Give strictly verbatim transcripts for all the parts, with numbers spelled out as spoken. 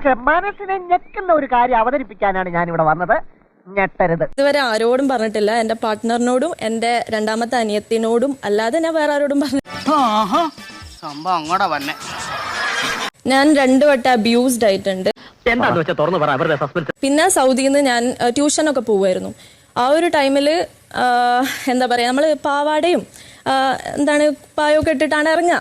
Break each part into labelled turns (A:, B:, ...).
A: പക്ഷെ മനസ്സിനെ ഞെക്കുന്ന ഒരു കാര്യം അവതരിപ്പിക്കാനാണ് ഞാൻ ഇവിടെ വന്നത്. ഞെട്ടരുത്.
B: ഇതുവരെ ആരോടും പറഞ്ഞിട്ടില്ല. എന്റെ പാർട്ട്ണറിനോടും എന്റെ രണ്ടാമത്തെ അനിയത്തിനോടും അല്ലാതെ ഞാൻ വേറെ ആരോടും പറഞ്ഞു. ഞാൻ രണ്ടു വട്ടം അബ്യൂസ്ഡ് ആയിട്ടുണ്ട്. പിന്നെ സൗദിയിൽ നിന്ന് ഞാൻ ട്യൂഷനൊക്കെ പോവായിരുന്നു. ആ ഒരു ടൈമില് എന്താ പറയാ, നമ്മള് പാവാടയും എന്താണ് പായൊക്കെ ഇട്ടിട്ടാണ് ഇറങ്ങുക.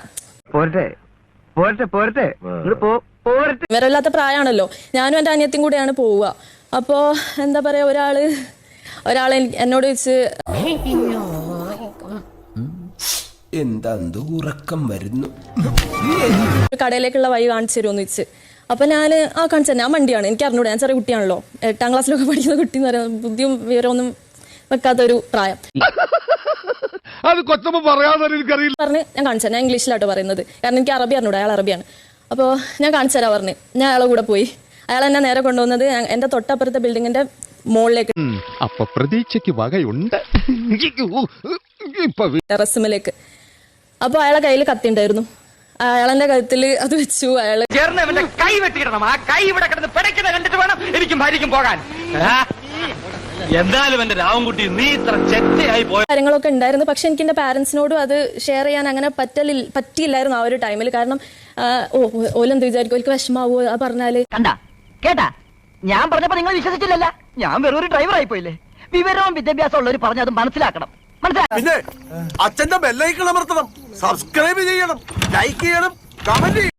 B: വിവരമില്ലാത്ത പ്രായമാണല്ലോ. ഞാനും എന്റെ അനിയത്തിയും കൂടെയാണ് പോവുക. അപ്പോ എന്താ പറയാ, ഒരാള് ഒരാളെ എന്നോട് ചോദിച്ച്
C: എന്താ ഉറക്കം വരുന്നു,
B: കടയിലേക്കുള്ള വഴി കാണിച്ചു തരുമെന്ന് വെച്ച്. അപ്പൊ ഞാന് ആ കാണിച്ചു തന്നെ, ആ വണ്ടിയാണ്, എനിക്ക് അറിഞ്ഞൂടെ, ഞാൻ ചെറിയ കുട്ടിയാണല്ലോ, എട്ടാം ക്ലാസ്സിലൊക്കെ പഠിക്കുന്ന കുട്ടി എന്ന് പറയുന്നത്, ബുദ്ധിയും വിവരമൊന്നും വെക്കാത്തൊരു പ്രായം. പറഞ്ഞ് ഞാൻ കാണിച്ചു തരാം, ഞാൻ ഇംഗ്ലീഷിലാട്ടോ പറയുന്നത്, കാരണം എനിക്ക് അറബി അറിഞ്ഞൂടെ, അയാൾ അറബിയാണ്. അപ്പോൾ ഞാൻ കാണിച്ചു തരാം പറഞ്ഞ് ഞാൻ അയാളെ കൂടെ പോയി. അയാൾ എന്നെ നേരെ കൊണ്ടുവന്നത് എന്റെ തൊട്ടപ്പുറത്തെ ബിൽഡിങ്ങിന്റെ മുകളിലേക്ക്,
D: പ്രതീക്ഷയ്ക്ക് വകയുണ്ട്,
B: ടെറസിലേക്ക്. അപ്പൊ അയാളെ കയ്യിൽ കത്തിണ്ടായിരുന്നു. അയാളെന്റെ കഴുത്തില് അത് വെച്ചു. അയാള്
E: കൈ വെട്ടിക്കിടണം. ആ കൈ ഇവിടെ കിടന്ന് പിടയ്ക്കുന്ന കണ്ടിട്ട് വേണം എനിക്കും ഭാര്യയ്ക്കും പോകാൻ. എന്തായാലും എന്റെ രാവൻകുട്ടി നീ ഇത്ര ചെറ്റയായി പോയ
B: കാര്യങ്ങളൊക്കെ ഉണ്ടായിരുന്നു. പക്ഷെ എനിക്ക് എന്റെ പാരന്റ്സിനോടും അത് ഷെയർ ചെയ്യാൻ അങ്ങനെ പറ്റലി പറ്റിയില്ലായിരുന്നു ആ ഒരു ടൈമിൽ. കാരണം ഓ ഓലെന്ത് വിചാരിക്കും, ഓൽക്ക് വിഷമാവോ ആ പറഞ്ഞാല്.
A: കണ്ടാ കേട്ടാ, ഞാൻ പറഞ്ഞപ്പോ നിങ്ങൾ വിശ്വസിച്ചില്ലല്ല. ഞാൻ വെറൊരു ഡ്രൈവർ ആയി പോയില്ലേ. വിവരവും വിദ്യാഭ്യാസം ഉള്ളവർ പറഞ്ഞത് മനസ്സിലാക്കണം.
C: പിന്നെ അച്ഛന്റെ ബെല്ലൈക്കൺ അമർത്തണം, സബ്സ്ക്രൈബ് ചെയ്യണം, ലൈക്ക് ചെയ്യണം, കമന്റ്